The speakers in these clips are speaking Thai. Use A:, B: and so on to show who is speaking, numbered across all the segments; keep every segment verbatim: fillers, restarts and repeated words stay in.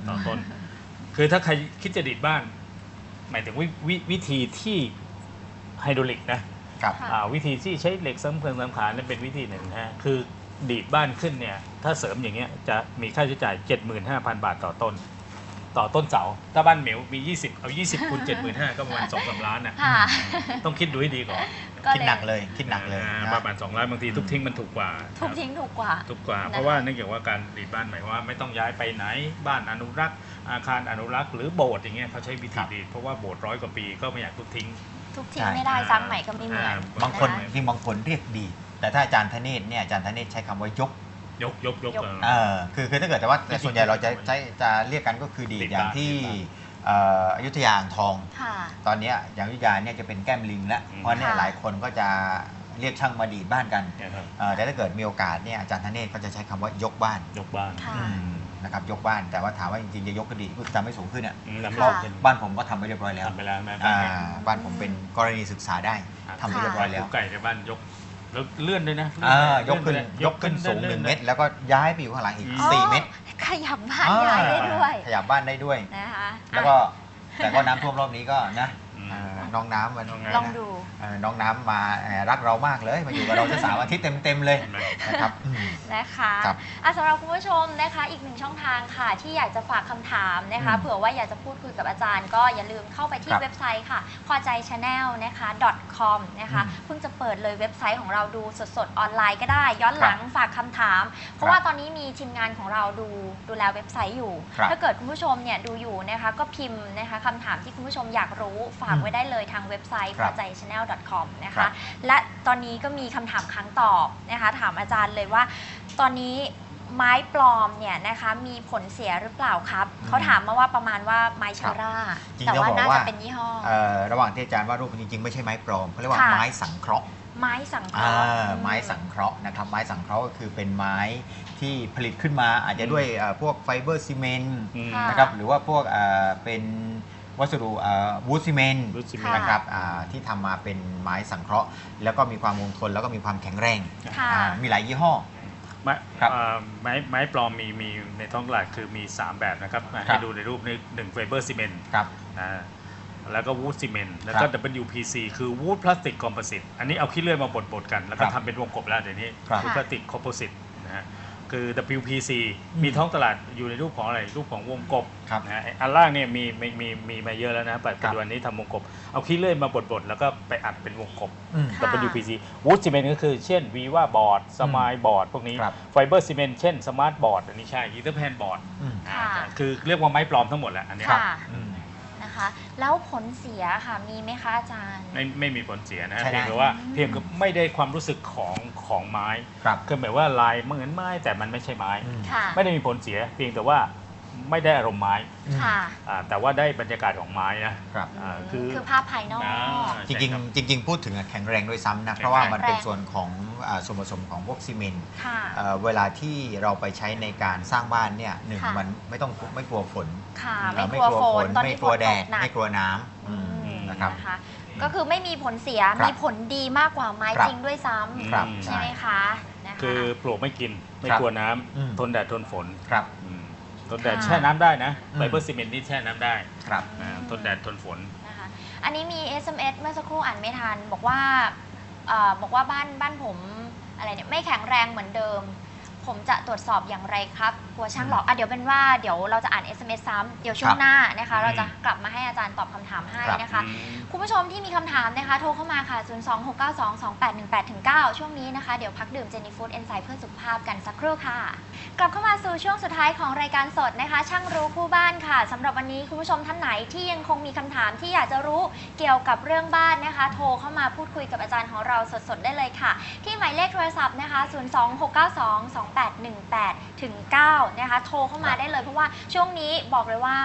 A: ต่อต้นคือถ้าใครคิดจะดีดบ้านหมายถึงว ว, วิธีที่ไฮดรอลิกนะครับวิธีที่ใช้เหล็กซ้ำเพิงซ้ำขานั่นเป็นวิธีหนึ่งนะฮะคือดีดบ้านขึ้นเนี่ยถ้าเสริมอย่างเงี้ยจะมีค่าใช้จ่าย เจ็ดหมื่นห้าพัน บาทต่อต้นต่อต้นเสาถ้าบ้านเหมียวมียี่สิบเอายี่สิบคูณ เจ็ดหมื่นห้าพัน ก็ประมาณ สองถึงสาม ล้านน่ะต้องคิดดูให้ดีก่อน
B: คิดหนักเลยคิดหนักเลย
A: ประมาณสองล้านบางทีทุบทิ้งมันถูกกว่า
C: ทุบทิ้งถูกกว่า
A: ถูกกว่าเพราะว่าเนื่องจากว่าการดีดบ้านหมายว่าไม่ต้องย้ายไปไหนบ้านอนุรักษ์อาคารอนุรักษ์หรือโบสถ์อย่างเงี้ยเขาใช้วิธีดีดเพราะว่าโบสถ์ร้อยกว่าปีก็ไม่อยากทุบทิ้ง
C: ทุบทิ้งไม่ได้สร้างใหม่ก็ไม่เหมือน
B: บางคนที่บางคนเรียกดีดแต่ถ้าอาจารย์ธเนศเนี่ยอาจารย์ธเนศใช้คำว่ายก
A: ยกยกยก
B: เออคือคือถ้าเกิดแต่ว่าแต่ส่วนใหญ่เราจะใช้จะเรียกกันก็คือดีดอย่างที่อยุธยาอ่างทองตอนนี้อย่างอยุธยาเนี่ยจะเป็นแก้มลิงแล้วเพราะเนี่ยหลายคนก็จะเรียกช่างมาดีดบ้านกันแต่ถ้าเกิดมีโอกาสเนี่ยอาจารย์ธเนศก็จะใช้คำว่ายกบ้าน
A: ยกบ้าน
B: นะครับยกบ้านแต่ว่าถามว่าจริงๆจะยกก็ดีก็ทำให้สูงขึ้นอ่ะบ้านผมก็ทำไปเรียบร้อยแล้วบ้านผมเป็นกรณีศึกษาได้ทำไปเรียบร้อยแล้ว
A: ไก่ในบ้านยกแล้วเลื่อนด้วยนะ
B: ยกขึ้นยกขึ้นสูงหนึ่งเมตรแล้วก็ย้ายไปอยู่ข้างหลังอีกสี่เมตร
C: ขยับบ้านย้ายได้ด้วย
B: ขยับบ้านได้ด้วยนะคะแล้วก็แต่ก็น้ำท่วมรอบนี้ก็นะน้องน้ำมัน
C: ลองดู
B: น้องน้ำมารักเรามากเลยมาอยู่กับเราจะสามอาทิตย์เต็มๆเลยนะครับ
C: นะคะสำหรับคุณผู้ชมนะคะอีกหนึ่งช่องทางค่ะที่อยากจะฝากคำถามนะคะเผื่อว่าอยากจะพูดคุยกับอาจารย์ก็อย่าลืมเข้าไปที่เว็บไซต์ค่ะพอใจ ชาแนล นะคะ .com นะคะเพิ่งจะเปิดเลยเว็บไซต์ของเราดูสดๆออนไลน์ก็ได้ย้อนหลังฝากคำถามเพราะว่าตอนนี้มีทีมงานของเราดูดูแลเว็บไซต์อยู่ถ้าเกิดคุณผู้ชมเนี่ยดูอยู่นะคะก็พิมพ์นะคะคำถามที่คุณผู้ชมอยากรู้ฝากไว้ได้เลยทางเว็บไซต์พอใจ ชาแนล .com นะคะและตอนนี้ก็มีคำถามครั้งตอบนะคะถามอาจารย์เลยว่าตอนนี้ไม้ปลอมเนี่ยนะคะมีผลเสียหรือเปล่าครับเขาถามมาว่าประมาณว่าไม้ชาร่าแต่ว่าน่าจะเป็นยี่ห้อ
B: ระหว่างที่อาจารย์ว่ารูปจริงๆไม่ใช่ไม้ปลอมเขาเรียกว่าไม้สังเคราะห์
C: ไม้สังเคราะห์
B: ไม้สังเคราะห์นะครับไม้สังเคราะห์ก็คือเป็นไม้ที่ผลิตขึ้นมาอาจจะด้วยพวกไฟเบอร์ซีเมนต์นะครับหรือว่าพวกเป็นวัสดุวูดซีเมนต์นะครับที่ทำมาเป็นไม้สังเคราะห์แล้วก็มีความคงทนแล้วก็มีความแข็งแรงมีหลายยี่ห้อ
A: ไม้ไม้ไม้ปลอมมีมีในท้องตลาดคือมีสามแบบนะครับให้ดูในรูปนี้หนึ่งไฟเบอร์ซีเมนต์แล้วก็วูดซีเมนต์แล้วก็ ดับเบิลยู พี ซี คือวูดพลาสติกคอมโพสิตอันนี้เอาขี้เลื่อยมาบดๆกันแล้วก็ทำเป็นวงกบแล้วเดี๋ยวนี้วูดพลาสติกคอมโพสิตนะฮะคือ ดับเบิลยู พี ซี มีท้องตลาดอยู่ในรูปของอะไรรูปของวงกบนะฮะอันล่างเนี่ยมีมีมีมีมาเยอะแล้วนะปัจจุบันนี้ทำวงกบเอาขี้เลื่อยมาบดๆแล้วก็ไปอัดเป็นวงกบ ดับเบิลยู พี ซี วูดซีเมนต์ก็คือเช่นวีว่าบอร์ดสมายบอร์ดพวกนี้ไฟเบอร์ซีเมนต์เช่นสมาร์ทบอร์ดอันนี้ใช่อีเทอร์แพนบอร์ดคือเรียกว่าไม้ปลอมทั้งหมดแหละอันนี้
C: นะคะแล้วผลเสียค่ะมีไหมคะอาจารย์
A: ไม่ไม่มีผลเสียนะเพียงแต่ว่าเพียงก็ไม่ได้ความรู้สึกของของไม้คือหมายว่าลายเหมือนไม้แต่มันไม่ใช่ไม้ไม่ได้มีผลเสียเพียงแต่ว่าไม่ได้อารมณ์ไม้แต่ว่าได้บรรยากาศของไม้นะ
C: คือคือภาพภายนอก
B: จริงๆจริงๆพูดถึงแข็งแรงด้วยซ้ำนะเพราะว่ามันเป็นส่วนของส่วนผสมของพวกซีเมนต์เวลาที่เราไปใช้ในการสร้างบ้านเนี่ยหนึ่งมันไม่ต้องไม่กลัวฝน
C: ไม่กลัวฝน
B: ไม่กลัวแดดไม่กลัวน้ำนะครับ
C: ก็คือไม่มีผลเสียมีผลดีมากกว่าไม้จริงด้วยซ้ำใช่ไหมคะ
A: คือปลวกไม่กินไม่กลัวน้ำทนแดดทนฝนทนแดดแช่น้ำได้นะไฟเบอร์ซีเมนต์นี่แช่น้ำได้
B: ครับ
A: ทนแดดทนฝน
C: นะคะอันนี้มี เอส เอ็ม เอส เมื่อสักครู่อ่านไม่ทันบอกว่าบอกว่าบ้านบ้านผมอะไรเนี่ยไม่แข็งแรงเหมือนเดิมผมจะตรวจสอบอย่างไรครับกลัวช่างหลอกอ่ะเดี๋ยวเป็นว่าเดี๋ยวเราจะอ่าน เอส เอ็ม เอส ซ้ำเดี๋ยวช่วงหน้านะคะเราจะกลับมาให้อาจารย์ตอบคำถามให้นะคะคุณผู้ชมที่มีคำถามนะคะโทรเข้ามาค่ะศูนย์ สอง หก เก้า สอง สอง แปด หนึ่ง แปด เก้า ช่วงนี้นะคะเดี๋ยวพักดื่มเจนี่ฟู้ดเอนไซม์เพื่อสุขภาพกันสักครู่ค่ะกลับเข้ามาสู่ช่วงสุดท้ายของรายการสดนะคะช่างรู้คู่บ้านค่ะสำหรับวันนี้คุณผู้ชมท่านไหนที่ยังคงมีคำถามที่อยากจะรู้เกี่ยวกับเรื่องบ้านนะคะโทรเข้ามาพูดคุยกับอาจารย์ของเราสดๆได้เลยค่ะที่หมายเลขโทรศัพท์นะคะศูนย์ สอง หก เก้า สอง สอง แปด หนึ่ง แปดถึงเก้านะคะโทรเข้ามาได้เลยเพราะว่าช่วงนี้บอกเลยว่า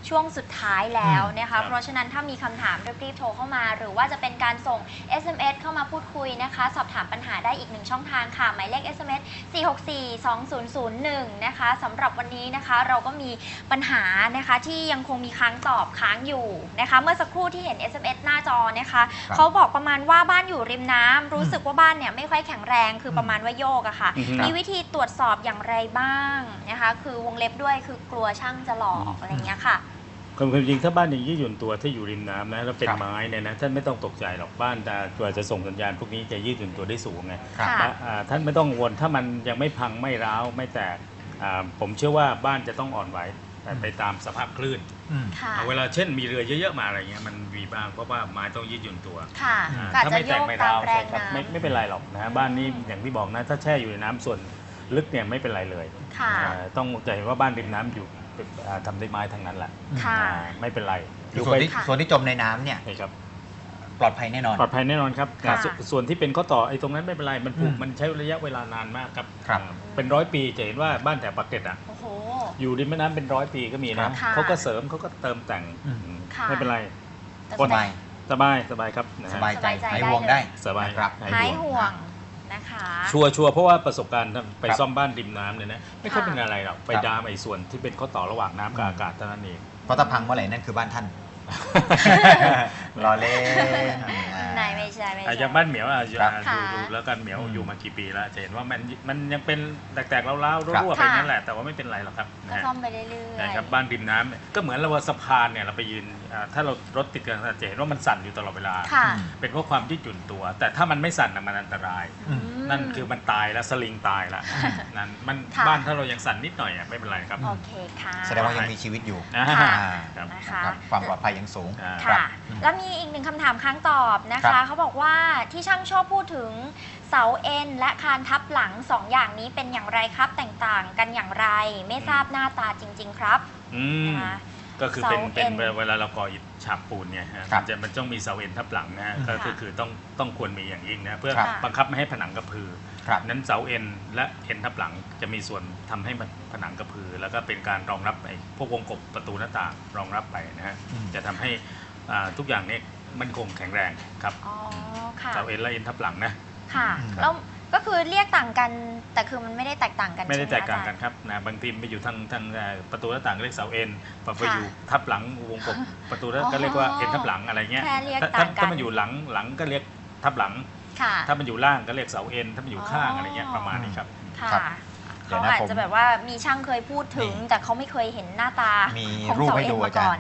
C: ช่วงสุดท้ายแล้วนะคะเพราะฉะนั้นถ้ามีคำถามรีบๆโทรเข้ามาหรือว่าจะเป็นการส่ง เอส เอ็ม เอส เข้ามาพูดคุยนะคะสอบถามปัญหาได้อีกหนึ่งช่องทางค่ะหมายเลข เอส เอ็ม เอส สี่ หก สี่ สอง ศูนย์ ศูนย์ หนึ่งนะคะสำหรับวันนี้นะคะเราก็มีปัญหานะคะที่ยังคงมีค้างตอบค้างอยู่นะคะเมื่อสักครู่ที่เห็น เอส เอ็ม เอส หน้าจอนะคะเขาบอกประมาณว่าบ้านอยู่ริมน้ำรู้สึกว่าบ้านเนี่ยไม่ค่อยแข็งแรงคือประมาณว่าโยกอะค่ะมีวิธีตรวจสอบอย่างไรบ้างนะคะคือวงเล็บด้วยคือกลัวช่างจะหลอกอะไรเงี้ยค่ะ
A: ความจริงถ้าบ้านยังยืดหยุ่นตัวถ้าอยู่ริมน้ำนะแล้วเป็นไม้เนี่ยนะท่านไม่ต้องตกใจหรอกบ้านจะตัวจะส่งสัญญาณพวกนี้จะยืดหยุ่นตัวได้สูงไงท่านไม่ต้องกังวลถ้ามันยังไม่พังไม่ร้าวไม่แตกผมเชื่อว่าบ้านจะต้องอ่อนไหวไปตามสภาพคลื่นเวลาเช่นมีเรือเยอะๆมาอะไรเงี้ยมันมีบ้างเพราะว่าไม้ต้องยืดหยุ่นตัวถ้าไม่แตกไม่ร้าวไม่ไม่เป็นไรหรอกนะบ้านนี้อย่างที่บอกนะถ้าแช่อยู่ในน้ำส่วนลึกเนี่ยไม่เป็นไรเลยต้องใจว่าบ้านริมน้ำอยู่ทำด้วยไม้ทั้งนั้นแหละไม่เป็นไร
B: ส่วนที่ส่วนที่จมในน้ำเนี่ยปลอดภัยแน่นอน
A: ปลอดภัยแน่นอนครับส่วนที่เป็นข้อต่อไอ้ตรงนั้นไม่เป็นไรมันผูกมันใช้ระยะเวลานานมากครับเป็นร้อยปีจะเห็นว่าบ้านแถวปากเกร็ดอ่ะอยู่ริมแม่น้ำเป็นร้อยปีก็มีนะเขาก็เสริมเขาก็เติมแต่งไม่เป็นไร
B: สบาย
A: สบายสบายครับ
B: สบายใจหายห่วงได้
A: สบาย
B: ครับ
C: หายห่วงนะคะ
A: ชัวร์ชัวร์เพราะว่าประสบการณ์ไปซ่อมบ้านริมน้ำเนี่ยนะไม่ค่อยเป็นอะไรหรอกไปดามไอ้ส่วนที่เป็นข้อต่อระหว่างน้ำกับอากาศเท่านั้นเอง
B: เพราะถ้าพังเมื่อไหร่นั่นคือบ้านท่านรอเล่น
C: นายไม่ใช่ไม่ใช่
A: อย่างบ้านเหมียวอ่ะดูดูแล้วกันเหมียวอยู่มากี่ปีแล้วจะเห็นว่ามันมันยังเป็นแตกๆเล้าๆรั่วๆไปนั่นแหละแต่ว่าไม่เป็นไรหรอกครับ
C: ก็ซ่อมไปเรื่อยๆ
A: นะครับบ้านริมน้ำก็เหมือนเราสะพานเนี่ยเราไปยืนถ้าเรารถติดกันจะเห็นว่ามันสั่นอยู่ตลอดเวลาเป็นเพราะความยืดหยุ่นตัวแต่ถ้ามันไม่สั่นมันอันตรายนั่นคือมันตายแล้วสลิงตายแล้วนั่นมันบ้านถ้าเรายังสั่นนิดหน่อยไม่เป็นไรครับ
C: โอเคค่ะ
B: แสดงว่ายังมีชีวิตอยู่
C: นะคะ
B: ความปลอดภัยยังสูง
C: ค่ะแล้วมีอีกหนึ่งคำถามค้างตอบนะคะเขาบอกว่าที่ช่างชอบพูดถึงเสาเอ็นและคานทับหลังสองอย่างนี้เป็นอย่างไรครับแตกต่างกันอย่างไรไม่ทราบหน้าตาจริงๆครับ
A: ก็คือเป็นเป็นเวลาเราก่ออิฐฉาบปูนเนี่ยมันจะมันต้องมีเสาเอ็นทับหลังนะก็คือต้องต้องควรมีอย่างยิ่งนะเพื่อบังคับไม่ให้ผนังกระพือนั้นเสาเอ็นและเอ็นทับหลังจะมีส่วนทำให้ผนังกระพือแล้วก็เป็นการรองรับไอ้พวกวงกบประตูหน้าต่างรองรับไปนะฮะจะทำให้ทุกอย่างนี้มันคงแข็งแรงครับเสาเอ็นและเอ็นทับหลังนะ
C: ค่ะแล้วก็คือเรียกต่างกันแต่คือมันไม่ได้แตกต่างกัน
A: ไม่ได้แตกต่างกันครับนะบางทีไปอยู่ทางทางประตูหน้าต่างก็เรียกเสาเอ็นพอไปอยู่ทับหลังวงกบประตูก็เรียกว่าเอ็นทับหลังอะไรเงี้ยถ้ามันอยู่หลังหลังก็เรียกทับหลังถ้ามันอยู่ล่างก็เรียกเสาเอ็นถ้ามันอยู่ข้างอะไรเงี้ยประมาณนี้ครับ
C: เขาอาจจะแบบว่ามีช่างเคยพูดถึงแต่เขาไม่เคยเห็นหน้าตาของเสาเอ็นมาก่อน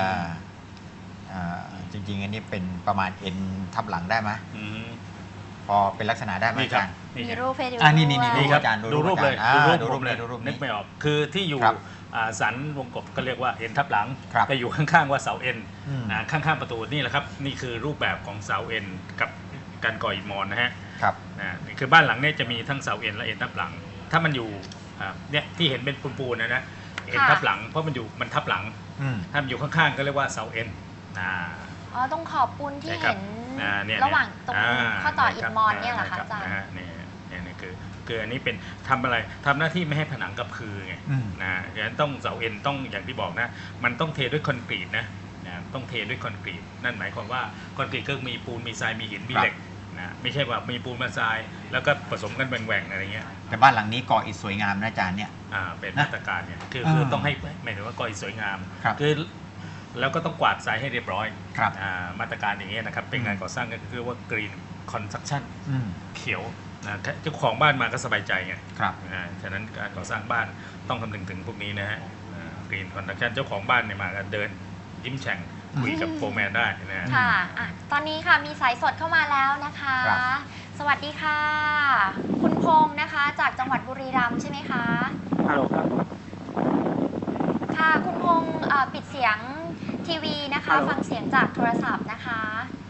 B: จริงๆอันนี้เป็นประมาณเอ็นทับหลังได้ไหมพอเป็นลักษณะได้ไหมอาจารย์
C: มีรูปให้ดู
B: อ่านี่นี่นี่อาจารย์
A: ดูรูปเลยดูรูปเลยนึกไม่ออกคือที่อยู่สันวงกบก็เรียกว่าเอ็นทับหลังแต่อยู่ข้างๆว่าเสาเอ็นนะข้างๆประตูนี่แหละครับนี่คือรูปแบบของเสาเอ็นกับการก่ออิฐมอนนะฮะ
B: ครับ
A: นะคือบ้านหลังนี้จะมีทั้งเสาเอ็นและเอ็นทับหลังถ้ามันอยู่เนี่ยที่เห็นเป็นปูนๆนะนะเอ็นทับหลังเพราะมันอยู่มันทับหลังถ้ามันอยู่ข้างๆก็เรียกว่าเสาเอ็น
C: อ๋อตรงขอบปูนที่เห็นระหว่างตรงข้อต่ออิฐมอนเนี่ยเหรอคะอาจารย์
A: นี่นี่คือคืออันนี้เป็นทำอะไรทำหน้าที่ไม่ให้ผนังกระพือไงนะดังนั้นต้องเสาเอ็นต้องอย่างที่บอกนะมันต้องเทด้วยคอนกรีตนะต้องเทด้วยคอนกรีตนั่นหมายความว่าคอนกรีตก็มีปูนมีทรายมีหินมีเหล็กนะไม่ใช่ว่ามีปูนมาทรายแล้วก็ผสมกันแหว่งๆอะไรเงี้ย
B: แต่บ้านหลังนี้ก่ออิฐสวยงามนะอาจารย์เนี่ย
A: อ่าเป็นมาตรการเนี่ยคือคือต้องให้หมายถึงว่าก่ออิฐสวยงามคือแล้วก็ต้องกวาดทรายให้เรียบร้อยมาตรการอย่างนี้นะครับเป็นงานก่อสร้างก็คือว่ากรีนคอนสตรัคชั่นเขียวนะเจ้าของบ้านมาก็สบายใจไงฉะนั้นการก่อสร้างบ้านต้องคำนึงถึงพวกนี้นะฮะกรีนคอนสตรัคชั่นเจ้าของบ้านเนี่ยมาเดินยิ้มแฉ่งคุยกับโฟร์แมนได้นะ
C: ค่ะตอนนี้ค่ะมีสายสดเข้ามาแล้วนะคะสวัสดีค่ะคุณพงษ์นะคะจากจังหวัดบุรีรัมย์ใช่ไหมคะ
D: ฮัลโหลครับ
C: ค่ะคุณพงษ์ปิดเสียงทีวีนะคะฟังเสียงจากโทรศัพท์นะคะ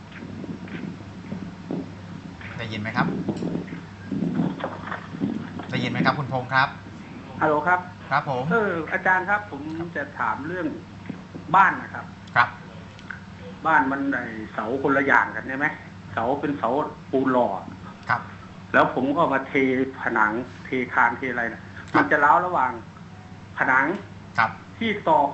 B: ได้ยินไหมครับได้ยินไหมครับคุณพงษ์ครับ
D: ฮัลโหลครับ
B: ครับผม
D: เอออาจารย์ครับผมจะถามเรื่องบ้านนะครับ
B: ครับ
D: บ้านมันไอเสาคนละอย่างกันใช่ไหมเสาเป็นเสาปูนหล่อ
B: ครับ
D: แล้วผมก็มาเทผนังเทคานเทอะไรนะมันจะเล้าระหว่างผนัง
B: ครับ
D: ที่ต่อกับ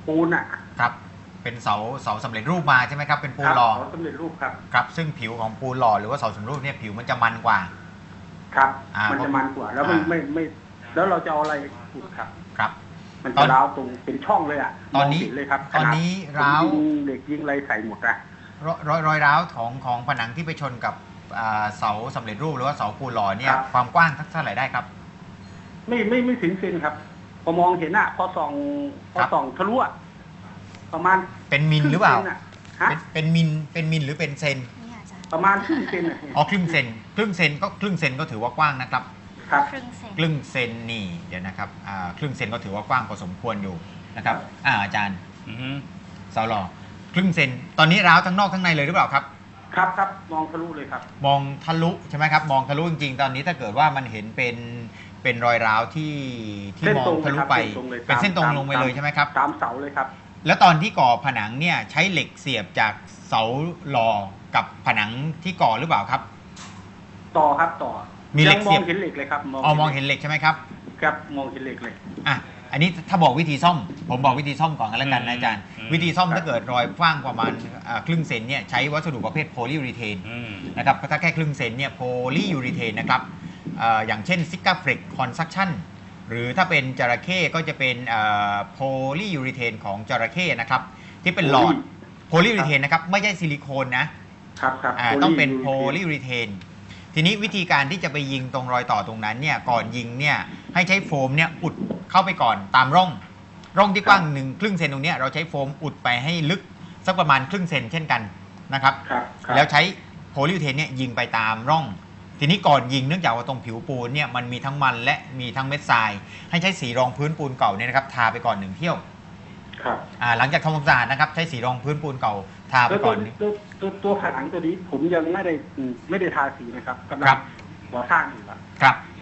D: ปูนอ่ะ
B: ครับเป็นเสาเสาสำเร็จรูปมาใช่ไหมครับเป็นปูน
D: ครับ
B: หล่อ
D: เสาสำเร็จรูปครับ
B: ครับซึ่งผิวของปูนหล่อหรือว่าเสาสำเร็จรูปเนี่ยผิวมันจะมันกว่า
D: ครับ
B: อ่ามั
D: มันจะมันกว่า แล้วมัน
B: อ่า
D: ไม่ไม่แล้วเราจะเอาอะไรขุดครับ
B: ครับ
D: มัน
B: ตอ
D: จะ
B: น
D: ร้าวตรงเป็นช่องเลยอ่ะ
B: ตอนนี้
D: มงเห็เลยครับ
B: ตอนนี้
D: ขด
B: ร้าว
D: ผมยิงเด็กยิงอะไรใส่หมดอะ
B: รอยรอยรอยร้าวของของผนังที่ไปชนกับอ่าเสาสำเร็จรูปหรือว่าเสาปูนหล่อเนี่ยความกว้างเท่าไหร่ได้ครับ
D: ไม่ไม่ไม่ถึงเซนครับพอมองเห็นอะพอส่องพอ
B: ครับ
D: ส่องทะลุอะประมาณ
B: เป็นมิลหรือเปล่า
D: คงซนอะฮะ
B: เป็นเป็นมิลเป็นมิลหรือเป็นเซน
C: นี่ค่ะอาจารย์
D: ประมาณครึ่งเซนอะ
B: อ๋อครึ่งเซนครึ่งเซนก็ครึ่งเซนก็ถือว่ากว้างนะครับ
D: ครับ
C: ครึ่งเซน
B: ครึ่งเซนนี่เดี๋ยวนะครับอ่าครึ่งเซนก็ถือว่ากว้างพอสมควรอยู่นะครับอ่าอาจารย์
A: อือฮึ
B: เสาหล่อครึ่งเซนตอนนี้ร้าวทั้งนอกทั้งในเลยหรือเปล่าครับ
D: ครับครับมองทะลุเลยครับ
B: มองทะลุใช่ไหมครับมองทะลุจริงๆตอนนี้ถ้าเกิดว่ามันเห็นเป็นเป็นรอยร้าวที่ที่
D: เส้น
B: มอง
D: ตรง
B: ทะลุ
D: ครับ
B: ไป
D: เส้นตรงเลย
B: เป็นเส้นตรง
D: ตาม
B: ลงไปเลยใช่ไหมครับ
D: ตามเสาเลยครับ
B: แล้วตอนที่ก่อผนังเนี่ยใช้เหล็กเสียบจากเสาหล่อกับผนังที่ก่อหรือเปล่าครับ
D: ต่อครับต่อ
B: มีเหล็
D: ยั
B: ก
D: ง
B: เสี
D: ม
B: ย
D: อบ งเห็นเหล็กเลยครับ
B: อ๋อมองเห็นเหล็กใช่ไหมครับ
D: ครับมองเห็นเหล็กเลย
B: อ่ะอันนี้ถ้าบอกวิธีซ่อมผมบอกวิธีซ่อมก่อนกันแล้วกันนะอาจารย์ วิธีซ่อมถ้าเกิดรอยกว้างประมาณอ่าครึ่งเซนเนี่ยใช้วัสดุประเภทโพลียูรีเทน
A: อืม
B: นะครับถ้าแค่ครึ่งเซนเนี่ยโพลียูรีเทนนะครับเอ่ออย่างเช่นซิกาเฟรกคอนซักชันหรือถ้าเป็นจระเข้ก็จะเป็นโพลียูรีเทนของจระเข้นะครับที่เป็นหลอดโพลียูรีเทนนะครับไม่ใช่ซิลิโคนนะครับ
D: ครับ
B: อ่าต้องเป็นโพลียูรีเทนทีนี้วิธีการที่จะไปยิงตรงรอยต่อตรงนั้นเนี่ยก่อนยิงเนี่ยให้ใช้โฟมเนี่ยอุดเข้าไปก่อนตามร่อง ร่องที่กว้างหนึ่งครึ่งเซนตรงเนี้ยเราใช้โฟมอุดไปให้ลึกสักประมาณครึ่งเซนเช่นกันนะครับ
D: ครับครับ
B: แล้วใช้โพลียูเทนเนี่ยยิงไปตามร่อง ทีนี้ก่อนยิงเนื่องจากว่าตรงผิวปูนเนี่ยมันมีทั้งมันและมีทั้งเม็ดทราย ให้ใช้สีรองพื้นปูนเก่าเนี่ยนะครับทาไปก่อนหนึ่งเที่ยว
D: ครับ
B: อ่าหลังจากทำความสะอาดนะครับใช้สีรองพื้นปูนเก่าทาไป
D: แล้ว
B: ก่
D: ตั
B: อ
D: วน ตัวตัวตัวผนังตัวนี้ผมยังไม่ได้อืมไม่ได้ทาสีนะครับกำลั
B: ครั
D: ง
B: บ
D: ก่อสร้างอยู่ครับ
B: ครับ